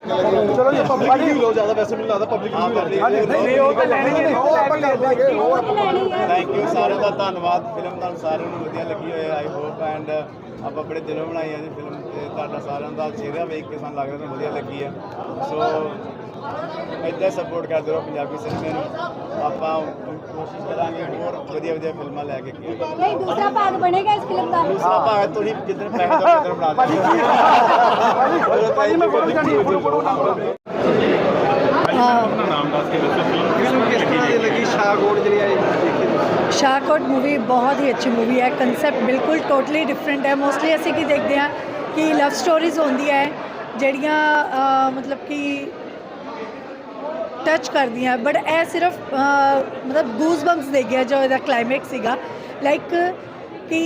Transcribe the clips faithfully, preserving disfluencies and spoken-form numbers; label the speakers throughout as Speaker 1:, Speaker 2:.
Speaker 1: चलो जी public review लो ज़्यादा वैसे नहीं लगता पब्लिक
Speaker 2: थैंक यू सारे का धन्यवाद फिल्म ਤੁਹਾਨੂੰ ਸਾਰਿਆਂ ਨੂੰ ਵਧੀਆ ਲੱਗੀ ਹੋਏ ਆਈ ਹੋਪ ਐਂਡ ਆਪਾਂ ਬੜੇ ਦਿਲੋਂ ਬਣਾਈ ਹੈ ਜੀ ਫਿਲਮ ਤੇ ਤੁਹਾਡਾ ਸਾਰਿਆਂ ਦਾ ਚਿਹਰਾ ਵੇਖ ਕੇ ਸਾਨੂੰ ਲੱਗ ਰਿਹਾ ਤੁਹਾਨੂੰ ਵਧੀਆ ਲੱਗੀ ਹੈ ਸੋ ਇੱਦਾਂ ਸਪੋਰਟ ਕਰਦੇ ਰਹੋ ਪੰਜਾਬੀ ਸਿਨੇਮੇ ਨੂੰ ਆਪਾਂ ਕੋਸ਼ਿਸ਼ ਕਰਾਂਗੇ ਹੋਰ ਵਧੀਆ ਵਧੀਆ ਫਿਲਮਾਂ ਲੈ ਕੇ ਕੀ
Speaker 3: नहीं दूसरा भाग बनेगा इस फिल्म का
Speaker 2: ਦੂਸਰਾ ਭਾਗ ਤੁਸੀਂ ਜਿੱਦਣ ਪੈਸੇ ਦੋ ਉਧਰ ਬਣਾ ਦਿਓ
Speaker 1: नाम दस के फिल्म किस तरह की लगी शाहकोट जी आई
Speaker 4: शाहकोट मूवी बहुत ही अच्छी मूवी है कंसैप्ट बिल्कुल टोटली डिफरेंट है मोस्टली असी की देखते हैं कि लव स्टोरीज होंदी है जड़ियाँ मतलब कि टच कर दियाँ बट ए सिर्फ मतलब गूज बम्स दे गया जो इसका क्लाइमैक्स सीगा लाइक कि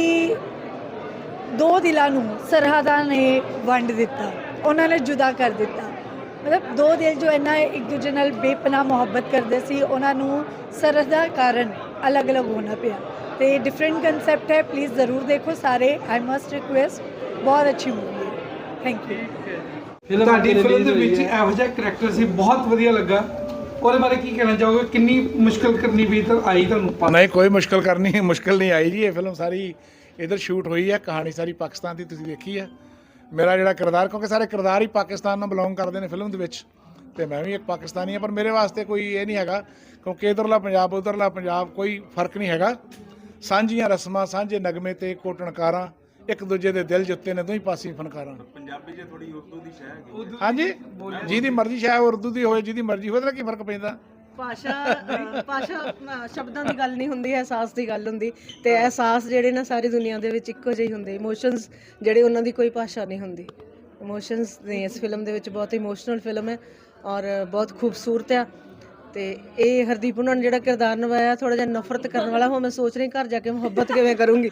Speaker 4: दो दिलों नूं सरहदां ने वंड दिता उन्होंने जुदा कर दिता मतलब दो दिल जो इन्ना एक दूजे नाल बेपनाह मुहब्बत करते सी उन्होंने सरहदा कारण अलग अलग होना पिया तो ये डिफरेंट कंसैप्ट है प्लीज़ ज़रूर देखो सारे आई मस्ट रिक्वेस्ट बहुत अच्छी मूवी है थैंक यू
Speaker 5: ਤੁਹਾਡੀ ਫਿਲਮ ਦੇ ਵਿੱਚ ਇਹੋ ਜਿਹਾ ਕਰੈਕਟਰ ਸੀ ਬਹੁਤ ਵਧੀਆ ਲੱਗਾ ਉਹਦੇ ਬਾਰੇ ਕੀ ਕਹਿਣਾ ਚਾਹੋਗੇ ਕਿੰਨੀ ਮੁਸ਼ਕਲ ਕਰਨੀ ਪਈ ਤਾਂ ਆਈ ਤੁਹਾਨੂੰ
Speaker 6: ਨਹੀਂ ਕੋਈ ਮੁਸ਼ਕਲ ਕਰਨੀ ਮੁਸ਼ਕਲ ਨਹੀਂ ਆਈ ਜੀ ਇਹ ਫਿਲਮ ਸਾਰੀ ਇਧਰ ਸ਼ੂਟ ਹੋਈ ਹੈ ਕਹਾਣੀ ਸਾਰੀ ਪਾਕਿਸਤਾਨ ਦੀ ਤੁਸੀਂ ਦੇਖੀ ਹੈ ਮੇਰਾ ਜਿਹੜਾ ਕਿਰਦਾਰ ਕਿਉਂਕਿ ਸਾਰੇ ਕਿਰਦਾਰ ਹੀ ਪਾਕਿਸਤਾਨ ਨਾਲ ਬਿਲੋਂਗ ਕਰਦੇ ਨੇ ਫਿਲਮ ਦੇ ਵਿੱਚ ਤੇ ਮੈਂ ਵੀ ਇੱਕ ਪਾਕਿਸਤਾਨੀ ਹਾਂ ਪਰ ਮੇਰੇ ਵਾਸਤੇ ਕੋਈ ਇਹ ਨਹੀਂ ਹੈਗਾ ਕਿਉਂਕਿ ਇੱਧਰਲਾ ਪੰਜਾਬ ਉੱਧਰਲਾ ਪੰਜਾਬ ਕੋਈ ਫਰਕ ਨਹੀਂ ਹੈਗਾ ਸਾਂਝੀਆਂ ਰਸਮਾਂ ਸਾਂਝੇ ਨਗਮੇ ਤੇ ਕੋਟਣਕਾਰਾਂ ਇੱਕ ਦੂਜੇ ਦੇ ਦਿਲ ਜਿੱਤੇ ਨੇ ਦੋਹੀਂ ਪਾਸੇ ਫਨਕਾਰਾਂ
Speaker 1: ਪੰਜਾਬੀ 'ਚ ਥੋੜੀ ਉਰਦੂ ਦੀ ਸ਼ੈ ਹੈਗੀ
Speaker 6: ਹਾਂਜੀ ਜਿਹਦੀ ਮਰਜ਼ੀ ਸ਼ਾਇਦ ਉਰਦੂ ਦੀ ਹੋਵੇ ਜਿਹਦੀ ਮਰਜ਼ੀ ਹੋਵੇ ਤਾਂ ਕੀ ਫਰਕ ਪੈਂਦਾ
Speaker 7: ਭਾਸ਼ਾ ਭਾਸ਼ਾ ਸ਼ਬਦਾਂ ਦੀ ਗੱਲ ਨਹੀਂ ਹੁੰਦੀ ਅਹਿਸਾਸ ਦੀ ਗੱਲ ਹੁੰਦੀ ਤੇ ਅਹਿਸਾਸ ਜਿਹੜੇ ਨਾ ਸਾਰੀ ਦੁਨੀਆ ਦੇ ਵਿੱਚ ਇੱਕੋ ਜਿਹੇ ਹੁੰਦੇ ਇਮੋਸ਼ਨਸ ਜਿਹੜੇ ਉਹਨਾਂ ਦੀ ਕੋਈ ਭਾਸ਼ਾ ਨਹੀਂ ਹੁੰਦੀ ਇਮੋਸ਼ਨਸ ਨੇ ਇਸ ਫਿਲਮ ਦੇ ਵਿੱਚ ਬਹੁਤ ਇਮੋਸ਼ਨਲ ਫਿਲਮ ਹੈ ਔਰ ਬਹੁਤ ਖੂਬਸੂਰਤ ਆ ਤੇ ਇਹ ਹਰਦੀਪ ਉਹਨਾਂ ਨੇ ਜਿਹੜਾ ਕਿਰਦਾਰ ਨਿਭਾਇਆ ਥੋੜਾ ਜਿਹਾ ਨਫ਼ਰਤ ਕਰਨ ਵਾਲਾ ਹੋ ਮੈਂ ਸੋਚ ਰਹੀ ਘਰ ਜਾ ਕੇ ਮੁਹੱਬਤ ਕਿਵੇਂ ਕਰੂੰਗੀ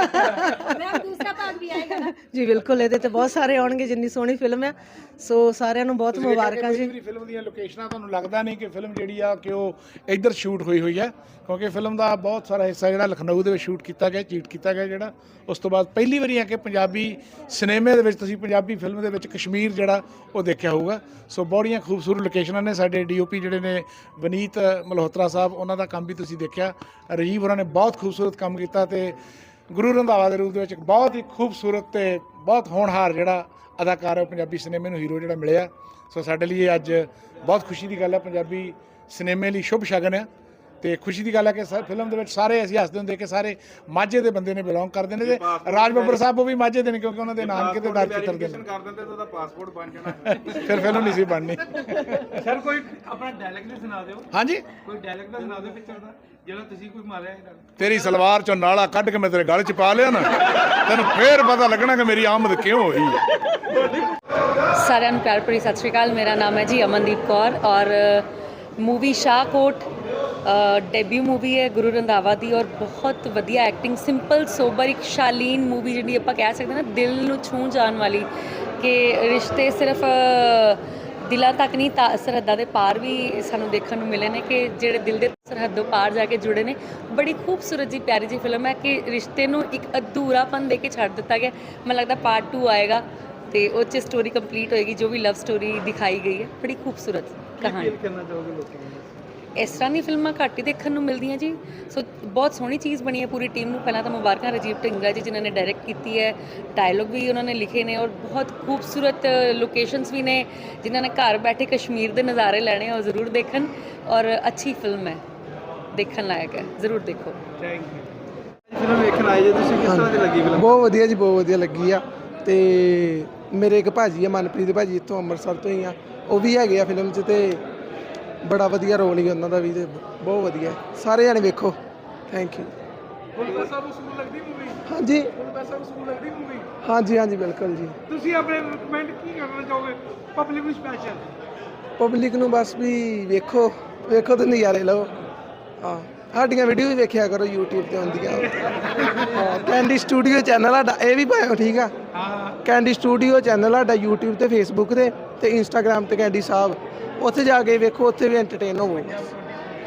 Speaker 3: दूसरा भाग भी आएगा ना
Speaker 7: ਜੀ ਬਿਲਕੁਲ ਇਹਦੇ ਤੇ ਬਹੁਤ ਸਾਰੇ ਆਉਣਗੇ ਜਿੰਨੀ ਸੋਹਣੀ ਫਿਲਮ ਹੈ ਸੋ ਸਾਰਿਆਂ ਨੂੰ ਬਹੁਤ ਮੁਬਾਰਕਾਂ ਜੀ
Speaker 6: ਫਿਲਮ ਦੀਆਂ ਲੋਕੇਸ਼ਨਾਂ ਤੁਹਾਨੂੰ ਲੱਗਦਾ ਨਹੀਂ ਕਿ ਫਿਲਮ ਜਿਹੜੀ ਆ ਕਿ ਉਹ ਇੱਧਰ ਸ਼ੂਟ ਹੋਈ ਹੋਈ ਹੈ ਕਿਉਂਕਿ ਫਿਲਮ ਦਾ ਬਹੁਤ ਸਾਰਾ ਹਿੱਸਾ ਜਿਹੜਾ ਲਖਨਊ ਦੇ ਵਿੱਚ ਸ਼ੂਟ ਕੀਤਾ ਗਿਆ ਚੀਟ ਕੀਤਾ ਗਿਆ ਜਿਹੜਾ ਉਸ ਤੋਂ ਬਾਅਦ ਪਹਿਲੀ ਵਾਰੀ ਆ ਕਿ ਪੰਜਾਬੀ ਸਿਨੇਮੇ ਦੇ ਵਿੱਚ ਤੁਸੀਂ ਪੰਜਾਬੀ ਫਿਲਮ ਦੇ ਵਿੱਚ ਕਸ਼ਮੀਰ ਜਿਹੜਾ ਉਹ ਦੇਖਿਆ ਹੋਊਗਾ ਸੋ ਬੜੀਆਂ ਖੂਬਸੂਰਤ ਲੋਕੇਸ਼ਨਾਂ ਨੇ ਸਾਡੇ ਡੀਓਪੀ ਜਿਹੜੇ ਨੇ ਵਨੀਤ ਮਲਹੋਤਰਾ ਸਾਹਿਬ ਉਹਨਾਂ ਦਾ ਕੰਮ ਵੀ ਤੁਸੀਂ ਦੇਖਿਆ ਰਾਜੀਵ ਹੋਰਾਂ ਨੇ ਬਹੁਤ ਖੂਬਸੂਰਤ ਕੰਮ ਕੀਤਾ ਤੇ ਗੁਰੂ ਰੰਧਾਵਾ ਦੇ ਰੂਪ ਦੇ ਵਿੱਚ ਇੱਕ ਬਹੁਤ ਹੀ ਖੂਬਸੂਰਤ ਤੇ ਬਹੁਤ ਹੋਣਹਾਰ ਜਿਹੜਾ ਅਦਾਕਾਰ ਹੈ ਪੰਜਾਬੀ ਸਿਨੇਮੇ ਨੂੰ ਹੀਰੋ ਜਿਹੜਾ ਮਿਲਿਆ ਸੋ ਸਾਡੇ ਲਈ ਅੱਜ ਬਹੁਤ ਖੁਸ਼ੀ ਦੀ ਗੱਲ ਹੈ ਪੰਜਾਬੀ ਸਿਨੇਮੇ ਲਈ ਸ਼ੁਭ ਸ਼ਗਨ ਹੈ ਤੇ ਖੁਸ਼ੀ ਦੀ ਗੱਲ ਹੈ ਕਿ ਫਿਲਮ ਦੇ ਵਿੱਚ ਸਾਰੇ ਅਸੀਂ ਹੱਸਦੇ ਹੁੰਦੇ ਕਿ ਸਾਰੇ ਮਾਝੇ ਦੇ ਬੰਦੇ ਨੇ ਬਿਲੋਂਗ ਕਰਦੇ ਨੇ ਤੇ ਰਾਜ ਬੱਬਰ ਸਾਹਿਬ ਉਹ ਵੀ ਮਾਝੇ ਦੇ ਨੇ ਕਿਉਂਕਿ ਉਹਨਾਂ ਦੇ ਨਾਨਕੇ ਤੇ ਦਰ ਚਿੱਤਰ ਦੇ ਨੇ
Speaker 1: ਕਰ ਦਿੰਦੇ ਤਾਂ ਉਹਦਾ ਪਾਸਪੋਰਟ ਬਣ ਜਾਣਾ
Speaker 6: ਫਿਰ ਫਿਲਮ ਨਹੀਂ ਸੀ ਬਣਨੀ
Speaker 5: ਸਰ ਕੋਈ ਆਪਣਾ ਡਾਇਲੌਗ ਵੀ ਸੁਣਾ ਦਿਓ
Speaker 6: ਹਾਂਜੀ
Speaker 5: ਕੋਈ ਡਾਇਲੌਗ ਦਾ ਸੁਣਾ ਦਿਓ ਪਿਕਚਰ ਦਾ ਜਿਹੜਾ ਤੁਸੀਂ ਕੋਈ ਮਾਰਿਆ
Speaker 6: ਤੇਰੀ ਸਲਵਾਰ ਚੋਂ ਨਾਲਾ ਕੱਢ ਕੇ ਮੈਂ ਤੇਰੇ ਗਲ 'ਚ ਪਾ ਲਿਆ ਨਾ ਤੈਨੂੰ ਫੇਰ ਪਤਾ ਲੱਗਣਾ ਕਿ ਮੇਰੀ ਆਮਦ ਕਿਉਂ ਹੋਈ ਹੈ
Speaker 8: ਸਾਰਿਆਂ ਨੂੰ ਪਿਆਰ ਭਰੀ ਸਤਿ ਸ਼੍ਰੀ ਅਕਾਲ ਮੇਰਾ ਨਾਮ ਹੈ ਜੀ ਅਮਨਦੀਪ ਕੌਰ ਔਰ मूवी शाहकोट डेब्यू मूवी है गुरु रंधावा दी और बहुत वधिया एक्टिंग सिंपल सोबर एक शालीन मूवी जी आप कह सकते हैं ना दिल नूं छूह जाने वाली कि रिश्ते सिर्फ दिलों तक नहीं सरहदा के पार भी सानू देखने को मिले ने कि जेडे दिल के सरहदों पार जाके जुड़े ने बड़ी खूबसूरत जी प्यारी जी फिल्म है कि रिश्ते नूं एक अधूरापन दे के छड्ड दिता गया मैं लगता पार्ट टू आएगा तो उस स्टोरी कंप्लीट होएगी जो भी लव स्टोरी दिखाई गई है बड़ी खूबसूरत कहानी इस तरह की फिल्मां घट ही देखने को मिलती जी सो बहुत सोहनी चीज़ बनी है पूरी टीम को पहला तो मुबारक राजीव ढिंगरा जी जिन्होंने डायरैक्ट की है डायलॉग भी उन्होंने लिखे ने और बहुत खूबसूरत लोकेशंस भी ने जिन्होंने घर बैठे कश्मीर के नज़ारे लेने और ज़रूर देखन और अच्छी फिल्म है देखने लायक है ज़रूर देखो
Speaker 1: ਫਿਲਮ ਵੇਖਣ ਆਏ ਜੇ ਤੁਸੀਂ ਕਿਸ ਤਰ੍ਹਾਂ ਦੀ ਲੱਗੀ ਫਿਲਮ
Speaker 9: ਬਹੁਤ ਵਧੀਆ ਜੀ ਬਹੁਤ ਵਧੀਆ ਲੱਗੀ ਆ ਤੇ ਮੇਰੇ ਇੱਕ ਭਾਜੀ ਆ ਮਨਪ੍ਰੀਤ ਭਾਜੀ ਇੱਥੋਂ ਅੰਮ੍ਰਿਤਸਰ ਤੋਂ ਹੀ ਆ ਉਹ ਵੀ ਹੈਗੇ ਆ ਫਿਲਮ 'ਚ ਤੇ ਬੜਾ ਵਧੀਆ ਰੋਲ ਹੀ ਉਹਨਾਂ ਦਾ ਵੀ ਤੇ ਬਹੁਤ ਵਧੀਆ ਸਾਰੇ ਜਾਣੇ ਵੇਖੋ ਥੈਂਕ ਯੂ
Speaker 5: ਪੈਸਾ ਵਸੂਲ ਲੱਗਦੀ ਮੂਵੀ
Speaker 9: ਹਾਂਜੀ
Speaker 5: ਪੈਸਾ ਵਸੂਲ ਲੱਗਦੀ ਮੂਵੀ
Speaker 9: ਹਾਂਜੀ ਹਾਂਜੀ ਬਿਲਕੁਲ ਜੀ
Speaker 5: ਤੁਸੀਂ ਆਪਣੇ ਕਮੈਂਟ ਕੀ ਕਰਨਾ ਚਾਹੋਗੇ ਪਬਲਿਕ ਨੂੰ ਸਪੈਸ਼ਲ
Speaker 9: ਪਬਲਿਕ ਨੂੰ ਬਸ ਵੀ ਵੇਖੋ ਵੇਖੋ ਤੇ ਨਜ਼ਾਰੇ ਲਓ ਹਾਂ ਸਾਡੀਆਂ ਵੀਡੀਓ ਵੀ ਵੇਖਿਆ ਕਰੋ YouTube ਤੇ ਆਉਂਦੀਆਂ ਹਾਂ ਕੈਂਡੀ ਸਟੂਡੀਓ ਚੈਨਲ ਸਾਡਾ ਇਹ ਵੀ ਪਾਇਓ ਠੀਕ ਆ ਹਾਂ ਕੈਂਡੀ ਸਟੂਡੀਓ ਚੈਨਲ ਸਾਡਾ YouTube ਤੇ Facebook ਤੇ ਤੇ Instagram ਤੇ ਕੈਂਡੀ ਸਾਹਿਬ ਉੱਥੇ ਜਾ ਕੇ ਵੇਖੋ ਉੱਥੇ ਵੀ ਐਂਟਰਟੇਨ ਹੋਵੋ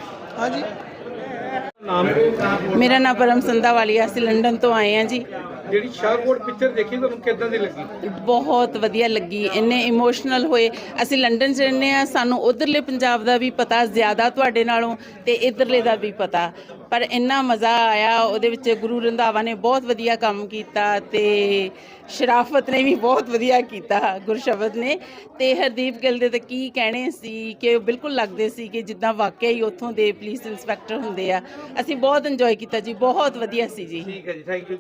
Speaker 9: ਹਾਂਜੀ
Speaker 7: ਮੇਰਾ ਨਾਮ ਪਰਮ ਸੰਧਾ ਵਾਲੀ ਆ ਅਸੀਂ ਲੰਡਨ ਤੋਂ ਆਏ ਹਾਂ ਜੀ
Speaker 5: ਜਿਹੜੀ ਸ਼ਾਹਕੋਟ ਪਿਕਚਰ ਦੇਖੀ ਤੁਹਾਨੂੰ ਕਿੱਦਾਂ ਦੀ ਲੱਗੀ?
Speaker 10: ਬਹੁਤ ਵਧੀਆ ਲੱਗੀ, ਇੰਨੇ ਇਮੋਸ਼ਨਲ ਹੋਏ। ਅਸੀਂ ਲੰਡਨ 'ਚ ਰਹਿੰਦੇ ਆ, ਸਾਨੂੰ ਉਧਰਲੇ ਪੰਜਾਬ ਦਾ ਵੀ ਪਤਾ ਜ਼ਿਆਦਾ ਤੁਹਾਡੇ ਨਾਲੋਂ ਤੇ ਇਧਰਲੇ ਦਾ ਵੀ ਪਤਾ, ਪਰ ਇੰਨਾ ਮਜ਼ਾ ਆਇਆ ਉਹਦੇ ਵਿੱਚ। ਗੁਰੂ ਰੰਧਾਵਾ ਨੇ ਬਹੁਤ ਵਧੀਆ ਕੰਮ ਕੀਤਾ ਤੇ ਸ਼ਰਾਫਤ ਨੇ ਵੀ ਬਹੁਤ ਵਧੀਆ ਕੀਤਾ, ਗੁਰਸ਼ਬਦ ਨੇ। ਤੇ ਹਰਦੀਪ ਗਿੱਲ ਦੇ ਤਾਂ ਕੀ ਕਹਿਣੇ ਸੀ ਕਿ ਉਹ ਬਿਲਕੁਲ ਲੱਗਦੇ ਸੀ ਕਿ ਜਿੱਦਾਂ ਵਾਕਿਆ ਹੀ ਉੱਥੋਂ ਦੇ ਪੁਲਿਸ ਇੰਸਪੈਕਟਰ ਹੁੰਦੇ ਆ। ਅਸੀਂ ਬਹੁਤ ਇੰਜੋਏ ਕੀਤਾ ਜੀ, ਬਹੁਤ ਵਧੀਆ ਸੀ ਜੀ।
Speaker 5: ਠੀਕ ਹੈ ਜੀ, ਥੈਂਕ ਯੂ।